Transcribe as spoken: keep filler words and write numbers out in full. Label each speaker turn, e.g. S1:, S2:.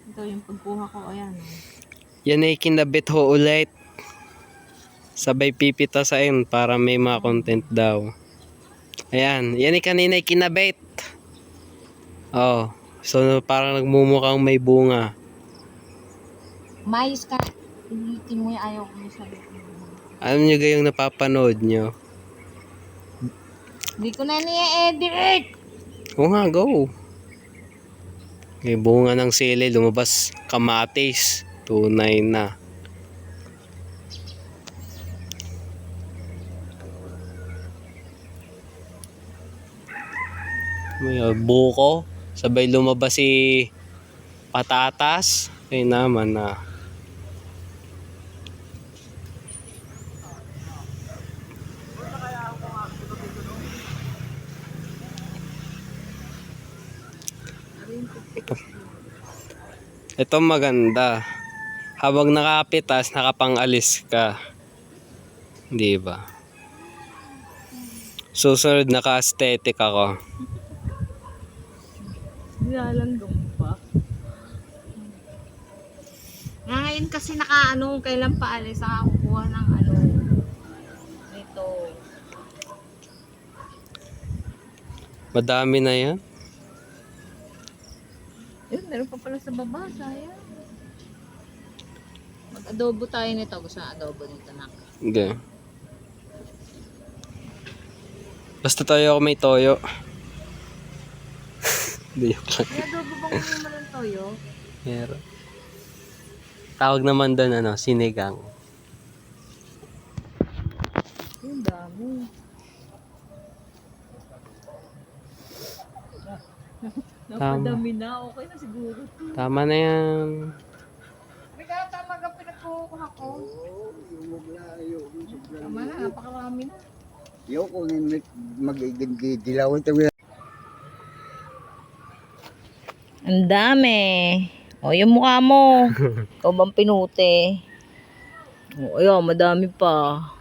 S1: Ito yung pagkuha ko, ayan. Oh.
S2: Yan ay kinabit ho ulit. Sabay pipitasain para may mga content daw. Ayan, yan ay kanina ay kinabit. Oh, so parang nagmumukhang may bunga.
S1: Mais ka. Ulitin mo yung ayaw ko yung sabi ko.
S2: Alam nyo gayong napapanood nyo?
S1: Hindi ko na ni-edit!
S2: Oo nga, go. May bunga ng sili, lumabas kamatis. Tunay na. May buko. Sabay lumabas si patatas. Ay naman na. Ito maganda. Habang nakapitas, nakapangalis ka. Di ba? Susunod, naka-aesthetic ako.
S1: Nilalandong pa. Ngayon kasi naka-ano, kailan pa alis, nakakuha ng ano, ito.
S2: Madami na yan.
S1: Yun, meron pa pala sa baba, sayang. Mag-adobo tayo nito. Gusto na adobo nito na.
S2: Hindi. Basta tayo ako may toyo. Hindi yung lang.
S1: May adobo bang mo ng toyo?
S2: Meron. Tawag naman doon ano, sinigang.
S1: Yung dami. Napadami na. Okay na siguro.
S2: Tama na yan.
S1: May katamag ang pinagkukuha ko. Tama na, napakarami na.
S3: Yung kung mag-dilaw ito.
S1: Ang dami. O, yung mukha mo. Ikaw bang pinute? O, ayun, madami pa.